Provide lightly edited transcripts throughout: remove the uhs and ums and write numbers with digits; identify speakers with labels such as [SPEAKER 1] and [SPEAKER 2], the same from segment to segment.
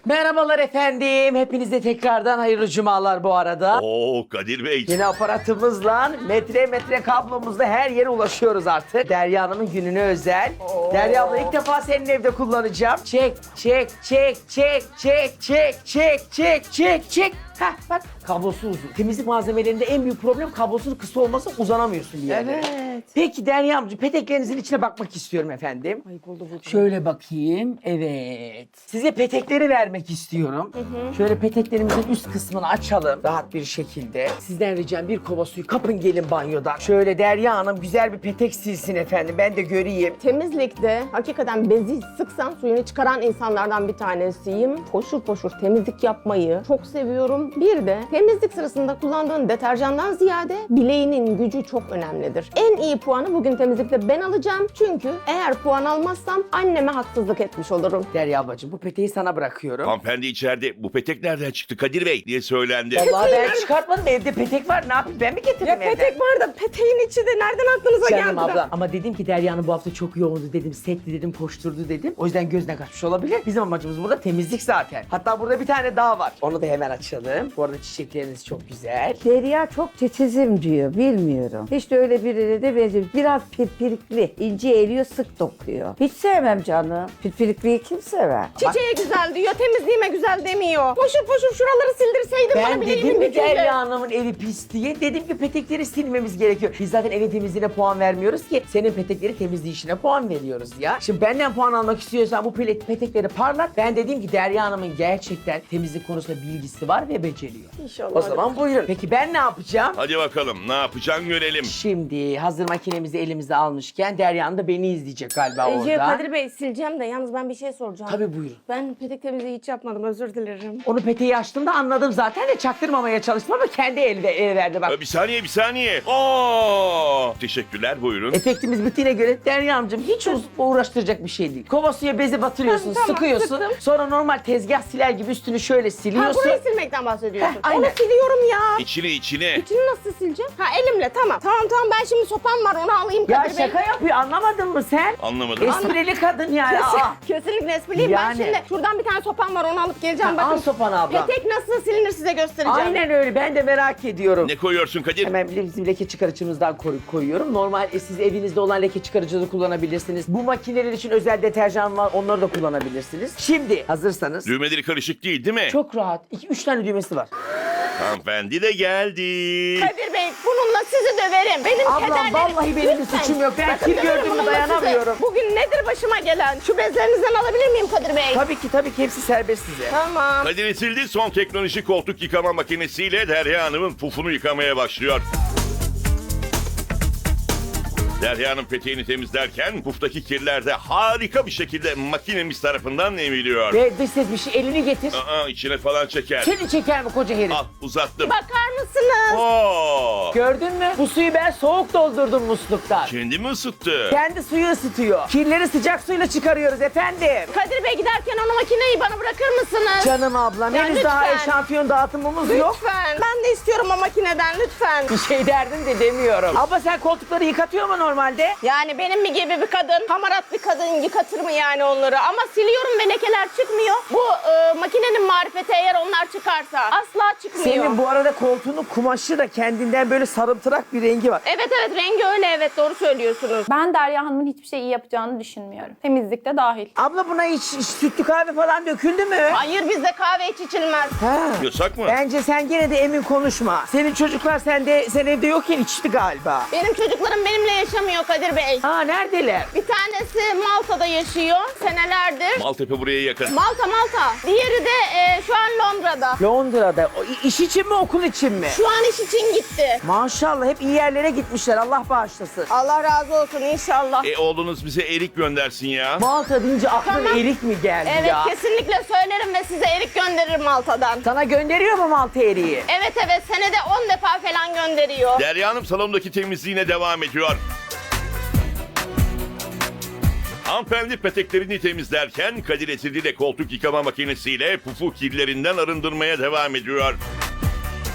[SPEAKER 1] Merhabalar efendim. Hepinize tekrardan hayırlı cumalar bu arada.
[SPEAKER 2] Oo Kadir Bey.
[SPEAKER 1] Yeni aparatımızla metre kablomuzla her yere ulaşıyoruz artık. Derya Hanım'ın gününe özel. Derya abla ilk defa senin evde kullanacağım. Çek. Heh bak kablosu uzun. Temizlik malzemelerinde en büyük problem kablosunun kısa olması, uzanamıyorsun bir yere.
[SPEAKER 3] Evet.
[SPEAKER 1] Peki Derya amca peteklerinizin içine bakmak istiyorum efendim.
[SPEAKER 3] Ay buldu.
[SPEAKER 1] Şöyle bakayım. Evet. Size petekleri vermek istiyorum. Şöyle peteklerimizin üst kısmını açalım rahat bir şekilde. Sizden ricam bir kova suyu kapın gelin banyodan. Şöyle Derya Hanım güzel bir petek silsin efendim. Ben de göreyim.
[SPEAKER 3] Temizlikte hakikaten bezi sıksan suyunu çıkaran insanlardan bir tanesiyim. Poşur poşur temizlik yapmayı çok seviyorum. Bir de temizlik sırasında kullandığın deterjandan ziyade bileğinin gücü çok önemlidir. En iyi puanı bugün temizlikte ben alacağım. Çünkü eğer puan almazsam anneme haksızlık etmiş olurum.
[SPEAKER 1] Derya ablacığım bu peteği sana bırakıyorum.
[SPEAKER 2] Hanımefendi içeride bu petek nereden çıktı Kadir Bey diye söylendi.
[SPEAKER 1] Vallahi ben çıkartmadım, evde petek var, ne yapayım, ben mi getirdim
[SPEAKER 3] Ya
[SPEAKER 1] evden?
[SPEAKER 3] petek var da peteğin içi de nereden aklınıza
[SPEAKER 1] Canım
[SPEAKER 3] geldi?
[SPEAKER 1] abla. Ama dedim ki Derya'nın bu hafta çok yoğundu dedim, setli dedim, koşturdu dedim. O yüzden gözden kaçmış olabilir. Bizim amacımız burada temizlik zaten. Hatta burada bir tane daha var. Onu da hemen açalım. Bu arada çiçekleriniz çok güzel.
[SPEAKER 4] Derya çok titizim diyor, bilmiyorum. Hiç de öyle birine de benziyor. Biraz pirpirikli, ince eliyor, sık dokuyor. Hiç sevmem canım. Pirpirikliyi kim sever?
[SPEAKER 3] Çiçeğe güzel diyor, temizliğime güzel demiyor. Poşur poşur şuraları sildirseydin bana
[SPEAKER 1] Ben
[SPEAKER 3] bileğimin
[SPEAKER 1] dedim mi
[SPEAKER 3] gücüyle.
[SPEAKER 1] Derya Hanım'ın evi pis diye? Dedim ki petekleri silmemiz gerekiyor. Biz zaten evin temizliğine puan vermiyoruz ki. Senin petekleri temizleyişine puan veriyoruz ya. Şimdi benden puan almak istiyorsan bu petekleri parlat. Ben dedim ki Derya Hanım'ın gerçekten temizlik konusunda bilgisi var ve beceriyor.
[SPEAKER 3] İnşallah.
[SPEAKER 1] O zaman buyurun. Peki ben ne yapacağım?
[SPEAKER 2] Hadi bakalım ne yapacaksın görelim.
[SPEAKER 1] Şimdi hazır makinemizi elimize almışken Derya Hanım da beni izleyecek galiba orada.
[SPEAKER 3] Kadir Bey sileceğim de yalnız ben bir şey soracağım.
[SPEAKER 1] Tabii buyurun.
[SPEAKER 3] Ben petek temizliği hiç yapmadım, özür dilerim.
[SPEAKER 1] Onu peteği açtığımda anladım zaten de çaktırmamaya çalıştım ama kendi el verdi bak.
[SPEAKER 2] Bir saniye. Oo! Teşekkürler buyurun.
[SPEAKER 1] Efektimiz bittiğine göre Derya amcım hiç uğraştıracak bir şey değil. Kova suya bezi batırıyorsun,
[SPEAKER 3] Tamam,
[SPEAKER 1] sıkıyorsun.
[SPEAKER 3] sıktım.
[SPEAKER 1] Sonra normal tezgah siler gibi üstünü şöyle
[SPEAKER 3] Ha
[SPEAKER 1] siliyorsun.
[SPEAKER 3] burayı silmekten bahsediyorsun.
[SPEAKER 1] Heh, aynen.
[SPEAKER 3] Onu siliyorum ya.
[SPEAKER 2] İçine.
[SPEAKER 3] İçini nasıl sileceğim? Ha elimle tamam. Tamam ben şimdi sopam var onu alayım
[SPEAKER 1] Ya
[SPEAKER 3] Kadir Bey.
[SPEAKER 1] şaka yapıyor, anlamadın mı sen?
[SPEAKER 2] Anlamadım.
[SPEAKER 1] Esprili kadın yani. Aa.
[SPEAKER 3] Kesinlikle espriliyim.
[SPEAKER 1] Yani.
[SPEAKER 3] Ben şimdi şuradan bir tane sopam var onu alıp geleceğim.
[SPEAKER 1] Ha, al
[SPEAKER 3] Bakın
[SPEAKER 1] sopanı abla.
[SPEAKER 3] petek nasıl silinir size göstereceğim.
[SPEAKER 1] Aynen öyle, ben de merak ediyorum.
[SPEAKER 2] Ne koyuyorsun Kadir?
[SPEAKER 1] Hemen bizim leke çıkarıcımızdan koyuyorum. Normal siz evinizde olan leke çıkarıcı da kullanabilirsiniz. Bu makineler için özel deterjan var, onları da kullanabilirsiniz. Şimdi hazırsanız.
[SPEAKER 2] Düğmeleri karışık değil mi?
[SPEAKER 1] Çok rahat. 2-3 tane düğmesi var.
[SPEAKER 2] Hanımefendi de geldi.
[SPEAKER 3] Kadir Bey bununla sizi döverim. Benim
[SPEAKER 1] Ablam,
[SPEAKER 3] kederlerim.
[SPEAKER 1] vallahi benim bir
[SPEAKER 3] Lütfen.
[SPEAKER 1] suçum yok. Ben
[SPEAKER 3] Bakın,
[SPEAKER 1] kir
[SPEAKER 3] döverim
[SPEAKER 1] gördüğümü
[SPEAKER 3] bununla
[SPEAKER 1] dayanamıyorum.
[SPEAKER 3] sizi. Bugün nedir başıma gelen? Şu bezlerinizden alabilir miyim Kadir Bey?
[SPEAKER 1] Tabii ki hepsi serbest size.
[SPEAKER 3] Tamam.
[SPEAKER 2] Kadir sildi son teknoloji koltuk yıkama makinesiyle Derya Hanım'ın pufunu yıkamaya başlıyor. Derya Hanım peteğini temizlerken puftaki kirler de harika bir şekilde makinemiz tarafından emiliyor.
[SPEAKER 1] Ve dış ses bir şey, elini getir.
[SPEAKER 2] İçine falan çeker.
[SPEAKER 1] Seni çeker mi koca herif?
[SPEAKER 2] Al uzattım.
[SPEAKER 3] Bakar mısınız?
[SPEAKER 2] Oo!
[SPEAKER 1] Gördün mü? Bu suyu ben soğuk doldurdum musluktan.
[SPEAKER 2] Kendi mi ısıttı?
[SPEAKER 1] Kendi suyu ısıtıyor. Kirleri sıcak suyla çıkarıyoruz efendim.
[SPEAKER 3] Kadir Bey giderken o makineyi bana bırakır mısınız?
[SPEAKER 1] Canım ablam,
[SPEAKER 3] Ya
[SPEAKER 1] henüz daha
[SPEAKER 3] lütfen.
[SPEAKER 1] eşantiyon dağıtımımız yok.
[SPEAKER 3] Lütfen. Ben de istiyorum o makineden lütfen.
[SPEAKER 1] Bir şey derdim de demiyorum. Abla sen koltukları yıkatıyor mu normalde?
[SPEAKER 3] Yani benim mi gibi bir kadın, hamarat bir kadın yıkatır mı yani onları? Ama siliyorum ve lekeler çıkmıyor. Bu makinenin marifeti eğer onlar çıkarsa asla çıkmıyor.
[SPEAKER 1] Senin bu arada koltuğunun kumaşı da kendinden böyle sarımtırak bir rengi var.
[SPEAKER 3] Evet rengi öyle evet doğru söylüyorsunuz.
[SPEAKER 5] Ben Derya Hanım'ın hiçbir şey iyi yapacağını düşünmüyorum. Temizlikte dahil.
[SPEAKER 1] Abla buna hiç sütlü kahve falan döküldü mü?
[SPEAKER 3] Hayır bizde kahve hiç içilmez.
[SPEAKER 1] Ha.
[SPEAKER 2] Yasak mı?
[SPEAKER 1] Bence sen gene de emin konuşma. Senin çocuklar sen evde yokken içti galiba.
[SPEAKER 3] Benim çocuklarım benimle yaşamıyor Kadir Bey.
[SPEAKER 1] Aa neredeler?
[SPEAKER 3] Bir tanesi Malta'da yaşıyor senelerdir.
[SPEAKER 2] Maltepe buraya yakın.
[SPEAKER 3] Malta. Diğeri de şu an Londra'da.
[SPEAKER 1] Londra'da. O, iş için mi okul için mi?
[SPEAKER 3] Şu an iş için gitti.
[SPEAKER 1] Maşallah hep iyi yerlere gitmişler. Allah bağışlasın.
[SPEAKER 3] Allah razı olsun inşallah.
[SPEAKER 2] Oğlunuz bize erik göndersin ya.
[SPEAKER 1] Malta deyince aklına
[SPEAKER 3] Tamam.
[SPEAKER 1] erik mi geldi
[SPEAKER 3] Evet
[SPEAKER 1] ya?
[SPEAKER 3] kesinlikle söylerim ve size erik gönderirim Malta'dan.
[SPEAKER 1] Sana gönderiyor mu Malta eriği?
[SPEAKER 3] Evet senede 10 defa falan gönderiyor.
[SPEAKER 2] Derya Hanım salondaki temizliğine devam ediyor. Hanımefendi peteklerini temizlerken Kadir Esirli de koltuk yıkama makinesiyle pufu kirlerinden arındırmaya devam ediyor.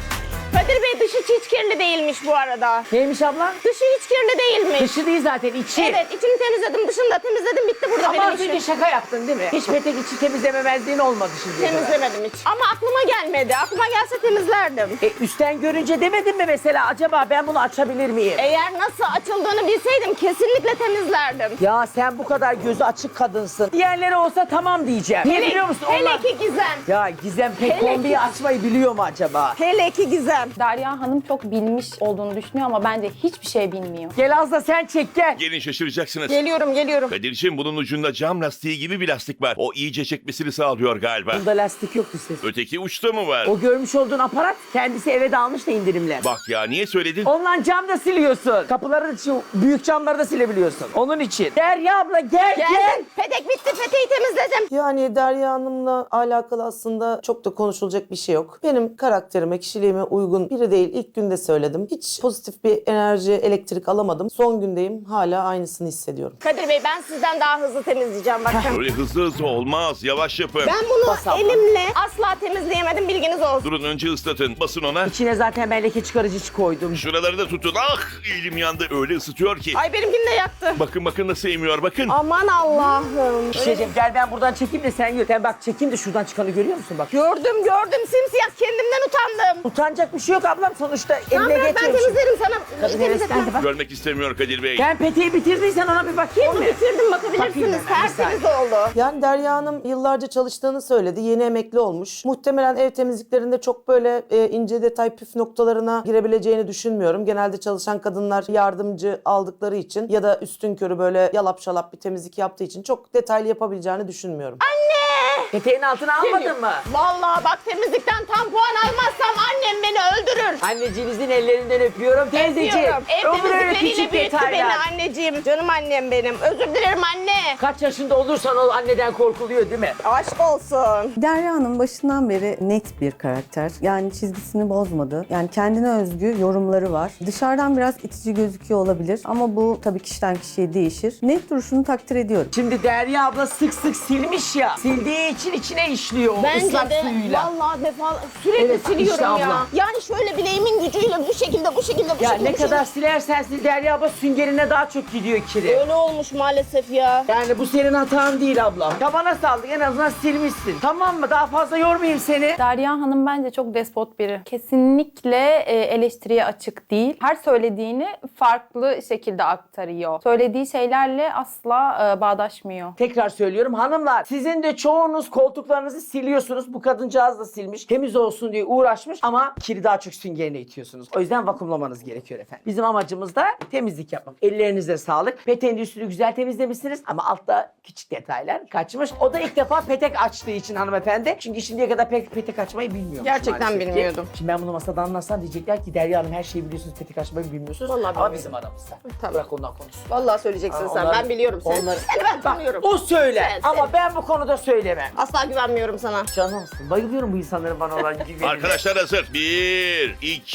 [SPEAKER 3] Kadir Bey dışı hiç kirli değilmiş bu arada.
[SPEAKER 1] Neymiş abla?
[SPEAKER 3] Dışı hiç kirli değilmiş.
[SPEAKER 1] Dışı değil zaten, içi.
[SPEAKER 3] Evet, içini temizledim, dışını da temizledim, bitti burada
[SPEAKER 1] Ama
[SPEAKER 3] benim
[SPEAKER 1] az önce
[SPEAKER 3] işim.
[SPEAKER 1] şaka yaptın değil mi? Hiç petek içi temizlememezliğin olmadı şimdiye kadar.
[SPEAKER 3] Temizlemedim hiç. Ama aklıma gelmedi. Aklıma gelse temizlerdim.
[SPEAKER 1] Üstten görünce demedin mi mesela acaba ben bunu açabilir miyim?
[SPEAKER 3] Eğer nasıl açıldığını bilseydim kesinlikle temizlerdim.
[SPEAKER 1] Ya sen bu kadar gözü açık kadınsın. Diğerleri olsa tamam diyeceğim. Niye biliyor musun?
[SPEAKER 3] Hele
[SPEAKER 1] Onlar...
[SPEAKER 3] ki Gizem.
[SPEAKER 1] Ya Gizem pek
[SPEAKER 3] Hele
[SPEAKER 1] kombiyi
[SPEAKER 3] ki-
[SPEAKER 1] açmayı biliyor mu acaba?
[SPEAKER 3] Hele ki Gizem.
[SPEAKER 5] Derya Hanım çok bilmiş olduğunu düşünüyor ama bence hiçbir şey bilmiyor.
[SPEAKER 1] Gel az da sen çek gel.
[SPEAKER 2] Gelin şaşıracaksınız.
[SPEAKER 3] Geliyorum.
[SPEAKER 2] Kadir'cim bunun ucunda cam lastiği gibi bir lastik var. O iyice çekmesini sağlıyor galiba.
[SPEAKER 1] Bunda lastik yoktu ses.
[SPEAKER 2] Öteki uçta mı var?
[SPEAKER 1] O görmüş olduğun aparat kendisi eve de almış da indirimle.
[SPEAKER 2] Bak ya niye söyledin?
[SPEAKER 1] Ondan cam da siliyorsun. Kapıları, şu büyük camları da silebiliyorsun. Onun için. Derya abla gel.
[SPEAKER 3] Geldim. Petek bitti, peteği temizledim.
[SPEAKER 6] Yani Derya Hanım'la alakalı aslında çok da konuşulacak bir şey yok. Benim karakterime, kişiliğime uygun biri değil. İlk günde söyledim. Hiç pozitif bir enerji, elektrik alamadım. Son gündeyim. Hala aynısını hissediyorum.
[SPEAKER 3] Kadir Bey ben sizden daha hızlı temizleyeceğim bakın.
[SPEAKER 2] Öyle hızlı olmaz. Yavaş yapın.
[SPEAKER 3] Ben bunu
[SPEAKER 1] Bas abla.
[SPEAKER 3] elimle asla temizleyemedim, bilginiz olsun.
[SPEAKER 2] Durun önce ıslatın. Basın ona.
[SPEAKER 1] İçine zaten ben leke çıkarıcı koydum.
[SPEAKER 2] Şuraları da tutun. Ah elim yandı. Öyle ısıtıyor ki.
[SPEAKER 3] Ay benimkini de yaktı.
[SPEAKER 2] Bakın nasıl emiyor bakın.
[SPEAKER 3] Aman Allah'ım.
[SPEAKER 1] Bir şey diyeceğim, gel ben buradan çekeyim de sen gör. Sen bak çekeyim de şuradan çıkanı görüyor musun bak.
[SPEAKER 3] Gördüm simsiyah, kendimden utandım.
[SPEAKER 1] Utanacak bir şey yok ablam sonuçta.
[SPEAKER 3] Tamam
[SPEAKER 1] Eline
[SPEAKER 3] ben
[SPEAKER 1] geçiyormuş.
[SPEAKER 3] temizlerim sana.
[SPEAKER 1] Kadın heveslendi bak.
[SPEAKER 2] Görmek istemiyor Kadir Bey.
[SPEAKER 1] Ben peteği bitirdiysen ona bir bakayım
[SPEAKER 3] Onu
[SPEAKER 1] mı?
[SPEAKER 3] bitirdim,
[SPEAKER 1] Bakayım
[SPEAKER 3] bakabilirsiniz.
[SPEAKER 1] ben, bir
[SPEAKER 3] Tertemiz oldu.
[SPEAKER 6] Yani Derya Hanım yıllarca çalıştığını söyledi. Yeni emekli olmuş. Muhtemelen ev temizliklerinde çok böyle ince detay püf noktalarına girebileceğini düşünmüyorum. Genelde çalışan kadınlar yardımcı aldıkları için ya da üstünkörü böyle yalap şalap bir temizlik yaptığı için çok detaylı yapabileceğini düşünmüyorum.
[SPEAKER 1] Peteğin altına almadın mı?
[SPEAKER 3] Vallahi bak temizlikten tam puan almazsam annem beni öldürür.
[SPEAKER 1] Anneciğinizin ellerinden öpüyorum teyzeciğim.
[SPEAKER 3] Öpüyorum. Ev
[SPEAKER 1] Olur öyle
[SPEAKER 3] temizlikleriyle
[SPEAKER 1] küçük
[SPEAKER 3] büyüttü beni
[SPEAKER 1] detaylar.
[SPEAKER 3] anneciğim. Canım annem benim. Özür dilerim anne.
[SPEAKER 1] Kaç yaşında olursan ol anneden korkuluyor değil mi?
[SPEAKER 3] Aşk olsun.
[SPEAKER 7] Derya Hanım başından beri net bir karakter. Yani çizgisini bozmadı. Yani kendine özgü yorumları var. Dışarıdan biraz itici gözüküyor olabilir ama bu tabii kişiden kişiye değişir. Net duruşunu takdir ediyorum.
[SPEAKER 1] Şimdi Derya abla sık sık silmiş ya. Sildiği için içine işliyor o
[SPEAKER 3] Bence
[SPEAKER 1] ıslak
[SPEAKER 3] de
[SPEAKER 1] suyuyla.
[SPEAKER 3] vallahi sürekli
[SPEAKER 1] Evet,
[SPEAKER 3] siliyorum
[SPEAKER 1] işte
[SPEAKER 3] ya.
[SPEAKER 1] abla.
[SPEAKER 3] Yani şöyle bileğimin gücüyle bu şekilde
[SPEAKER 1] Ya
[SPEAKER 3] bu
[SPEAKER 1] ne
[SPEAKER 3] şekilde.
[SPEAKER 1] kadar silersen sil Derya abla süngerine daha çok gidiyor kiri.
[SPEAKER 3] Öyle olmuş maalesef ya.
[SPEAKER 1] Yani bu senin hatan değil ablam. Tabana saldık en azından silmişsin. Tamam mı? Daha fazla yormayayım seni.
[SPEAKER 5] Derya Hanım bence çok despot biri. Kesinlikle eleştiriye açık değil. Her söylediğini farklı şekilde aktarıyor. Söylediği şeylerle asla bağdaşmıyor.
[SPEAKER 1] Tekrar söylüyorum hanımlar, sizin de çoğunuz koltuklarınızı siliyorsunuz. Bu kadıncağız da silmiş. Temiz olsun diye uğraşmış ama kiri daha çok süngerine itiyorsunuz. O yüzden vakumlamanız gerekiyor efendim. Bizim amacımız da temizlik yapmak. Ellerinize sağlık. Peteğin üstünü güzel temizlemişsiniz ama altta küçük detaylar kaçmış. O da ilk defa petek açtığı için hanımefendi. Çünkü şimdiye kadar pek petek açmayı bilmiyormuş
[SPEAKER 3] Gerçekten
[SPEAKER 1] maalesef ki.
[SPEAKER 3] bilmiyordum.
[SPEAKER 1] Şimdi ben bunu masada anlatsam diyecekler ki Derya Hanım her şeyi biliyorsunuz, petek açmayı bilmiyorsunuz.
[SPEAKER 3] Vallahi
[SPEAKER 1] ama
[SPEAKER 3] bilmiyorum.
[SPEAKER 1] bizim aramızda.
[SPEAKER 3] Tabii.
[SPEAKER 1] Bırak ondan konuşsun.
[SPEAKER 3] Vallahi söyleyeceksin sen.
[SPEAKER 1] Onlar-
[SPEAKER 3] Ben biliyorum seni.
[SPEAKER 1] onlar-
[SPEAKER 3] Seni ben tanıyorum.
[SPEAKER 1] O söyler
[SPEAKER 3] Sen-
[SPEAKER 1] ama ben bu konuda söylemem.
[SPEAKER 3] Asla güvenmiyorum sana.
[SPEAKER 1] Canımsın. Bayılıyorum bu insanların bana olan güvenine.
[SPEAKER 2] Arkadaşlar hazır. 1,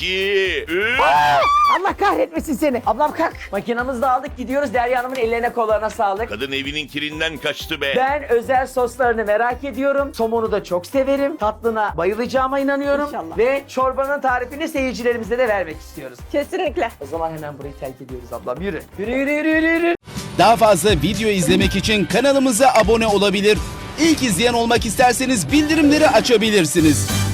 [SPEAKER 2] 2, 3.
[SPEAKER 1] Allah kahretmesin seni. Ablam kalk. Makinamızı da aldık gidiyoruz. Derya Hanım'ın ellerine kollarına sağlık.
[SPEAKER 2] Kadın evinin kirinden kaçtı be.
[SPEAKER 1] Ben özel soslarını merak ediyorum. Somonu da çok severim. Tatlına bayılacağıma inanıyorum.
[SPEAKER 3] İnşallah.
[SPEAKER 1] Ve çorbanın tarifini seyircilerimize de vermek istiyoruz.
[SPEAKER 3] Kesinlikle.
[SPEAKER 1] O zaman hemen burayı terk ediyoruz ablam. Yürü. Yürü.
[SPEAKER 8] Daha fazla video izlemek için kanalımıza abone olabilir. İlk izleyen olmak isterseniz bildirimleri açabilirsiniz.